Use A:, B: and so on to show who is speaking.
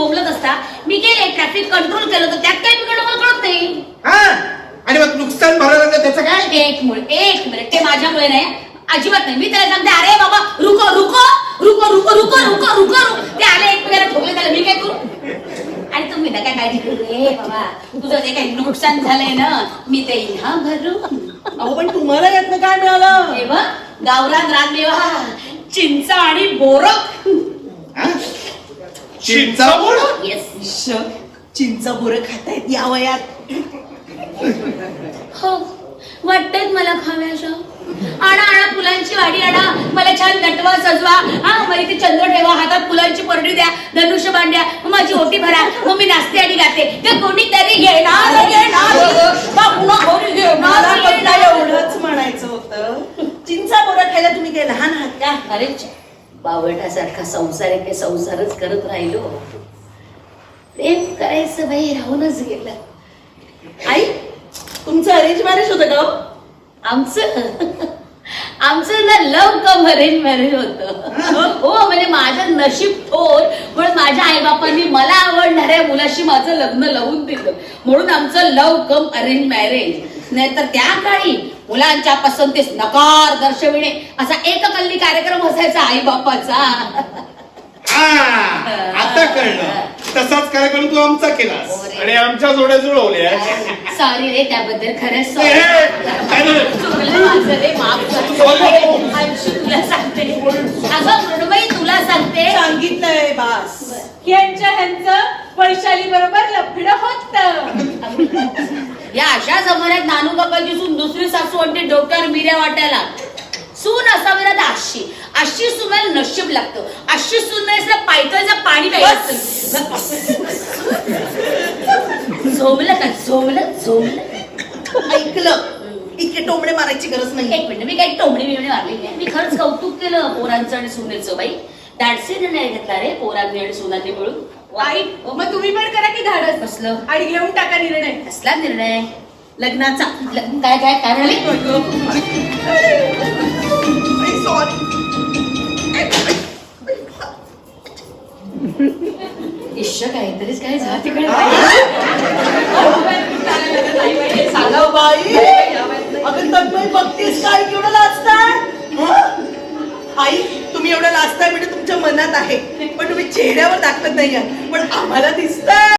A: बोंबलत असता. मी केले traffic control केलं तर त्यात काय बिघडलं मला कळत नाही.
B: आणि मग नुकसान भरायला त्याचं काय?
A: एक मिनिट ते माझ्यामुळे नाही, अजिबात नाही. मी त्याला सांगते अरे बाबा रुको रुको रुको रुको रुको रुको रुको ते आले एकमेकाला ठोकले, त्याला मी काय करू? आणि तुम्ही ना काय काळजी करू रे बाबा, तुझं जे काही नुकसान झालंय ना मी ते हा भरू.
C: अहो पण तुम्हाला यातनं काय मिळालं?
A: हे बघ गावरान रानमेवा, चिंच आणि बोरं.
B: चिंचा बोरं?
A: येस.
C: चिंच बोरं खातायत या वयात?
A: हो वाटतंय मला खाव्याशा. आणा फुलांची वाडी आणा, मला छान नटवा सजवा. मला इथे चंद्र ठेवा, हातात फुलांची परडी द्या, धनुष्य बांध्या, माझी ओटी भरा, मग मी नाचते आणि गाते. ते कोणीतरी घेणार
C: एवढंच म्हणायचं होतं. चिंचा बोरं खायला तुम्ही काय लहान आहात का?
A: अरे बावटासारखा संसार आहे, संसारच करत राहिलो. प्रेम करायचं बाई राहूनच गेलं.
C: आई तुमचं अरेंज मॅरेज होतं का?
A: आमचं ना लव्ह कम अरेंज मॅरेज होतं. हो म्हणजे माझं नशीब थोर, म्हणून माझ्या आईबापांनी मला आवडणाऱ्या मुलाशी माझं लग्न लावून दिलं, म्हणून आमचं लव्ह कम अरेंज मॅरेज. नाहीतर त्या काळी मुलांच्या पसंतीस नकार दर्शविणे असा एककल्ली कार्यक्रम असायचा आईबापाचा.
B: आता कळलं. तसाच कार्यक्रम तू आमचा केलास आणि आमच्या जोड्या जुळवल्या.
A: सॉरी रे त्याबद्दल, खरंच तुला सांगते अगं मृण्मयी, तुला सांगते
C: सांगितलंय बास.
D: ह्यांचं वैशाली बरोबर लफडं होत.
A: या अशा जमान्यात नानू काकाची सून दुसरी सासू आणते डोक्यावर मिऱ्या वाटायला. सून असावी ना तर अशी सुनायला नशीब लागतं. अशी सून नाही पायथ्याचं पाणी झोमलं का झोमलं.
C: ऐकलं, इतके टोमडे मारायची गरज नाही.
A: एक मिनिट, मी काही टोमडी बिमडी मारली नाही. मी खरंच कौतुक केलं पोरांचं आणि सुनेचं. बाई धाडसी निर्णय घेतला रे पोरांनी आणि सुनांनी मिळून.
D: आई मग तुम्ही पण करा की धाडस
A: कसलं?
D: आणि घेऊन टाका निर्णय.
A: कसला निर्णय?
C: लग्नाचा.
A: काय काय काय म्हणाली? इश्श काहीतरीच काय झालं तिकडे.
C: सांगा बाई, अगं तन्मय बघतीस काय केवढं लाजताय? आई तुम्ही एवढं लाजताय म्हणजे तुमच्या मनात आहे, पण तुम्ही चेहऱ्यावर दाखवत नाही. पण आम्हाला दिसतंय.